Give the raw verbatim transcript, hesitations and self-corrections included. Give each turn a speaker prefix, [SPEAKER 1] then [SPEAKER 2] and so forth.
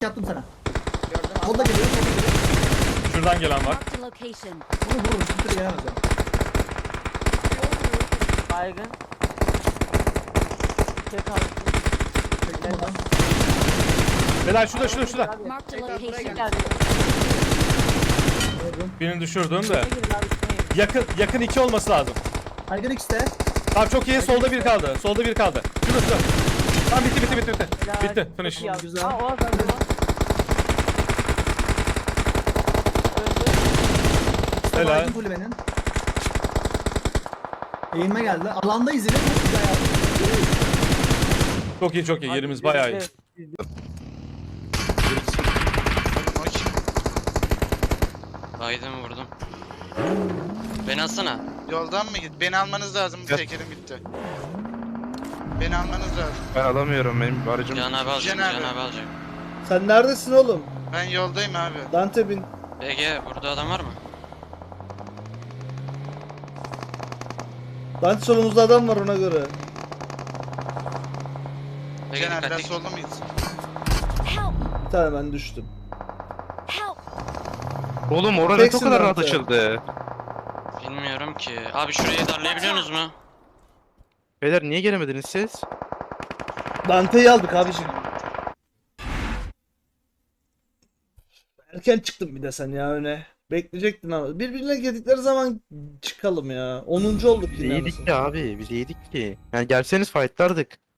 [SPEAKER 1] Yaptım sana.
[SPEAKER 2] Gördüm
[SPEAKER 1] O da geliyor. O da geliyor.
[SPEAKER 3] Şuradan gelen var.
[SPEAKER 4] Marked a location.
[SPEAKER 1] Bunu vururum. Kimse gelemez ya.
[SPEAKER 2] Baygın. Tek aldım.
[SPEAKER 1] Çektim oradan.
[SPEAKER 3] Beyler şurada şurada şurada.
[SPEAKER 4] Marked a
[SPEAKER 2] Tekrar buraya
[SPEAKER 4] location.
[SPEAKER 2] geldi.
[SPEAKER 1] Vurdum.
[SPEAKER 3] Birini düşürdüm de.
[SPEAKER 2] Üstüne girin abi üstüne girin.
[SPEAKER 3] Yakın yakın iki olması lazım.
[SPEAKER 1] Aygın X'te.
[SPEAKER 3] Tamam çok iyi. Solda bir kaldı. Solda bir kaldı. Şurası. Tamam bitti bitti bitti bitti.
[SPEAKER 2] Helal.
[SPEAKER 3] Bitti.
[SPEAKER 2] Çok
[SPEAKER 3] Finish.
[SPEAKER 2] iyi abi.
[SPEAKER 1] Güzel.
[SPEAKER 2] Ha o az öldü o.
[SPEAKER 1] İşte
[SPEAKER 3] Helal.
[SPEAKER 1] baygın kulübenin. Eğilme geldi. Alandayız yine. Çok güzel yaptım.
[SPEAKER 3] Çok iyi çok iyi. Yerimiz bayağı iyi.
[SPEAKER 5] Baydım vurdum. Beni alsana.
[SPEAKER 6] Yoldan mı git? Beni almanız lazım. Bu
[SPEAKER 7] Yap.
[SPEAKER 6] tekerim bitti. Beni almanız lazım.
[SPEAKER 7] Ben alamıyorum, benim aracım.
[SPEAKER 5] Can abi alacak.
[SPEAKER 6] Can
[SPEAKER 5] Can
[SPEAKER 6] abi.
[SPEAKER 5] abi alacak.
[SPEAKER 8] Sen neredesin oğlum?
[SPEAKER 6] Ben yoldayım abi.
[SPEAKER 8] Dante bin.
[SPEAKER 5] Ege burada adam var mı?
[SPEAKER 8] Dante solumuzda adam var ona göre.
[SPEAKER 5] Ege
[SPEAKER 6] Can abi biraz
[SPEAKER 5] dikkatli.
[SPEAKER 6] solda mıyız?
[SPEAKER 4] Help!
[SPEAKER 8] Bir tane ben düştüm.
[SPEAKER 4] Help!
[SPEAKER 7] Oğlum orada ne
[SPEAKER 8] Teksin
[SPEAKER 7] kadar rahat
[SPEAKER 8] Dante.
[SPEAKER 7] açıldı.
[SPEAKER 5] Bilmiyorum ki. Abi şurayı darlayabiliyorsunuz mu?
[SPEAKER 7] Beyler niye gelemediniz siz?
[SPEAKER 8] Dante'yi aldık abiciğim. Erken çıktın bir de sen ya öne. Bekleyecektin ama. Birbirine girdikleri zaman çıkalım ya. onuncu olduk
[SPEAKER 7] Biz
[SPEAKER 8] yine.
[SPEAKER 7] yedik
[SPEAKER 8] anasını.
[SPEAKER 7] ki abi, biz yedik ki. Yani gelseniz fightlardık.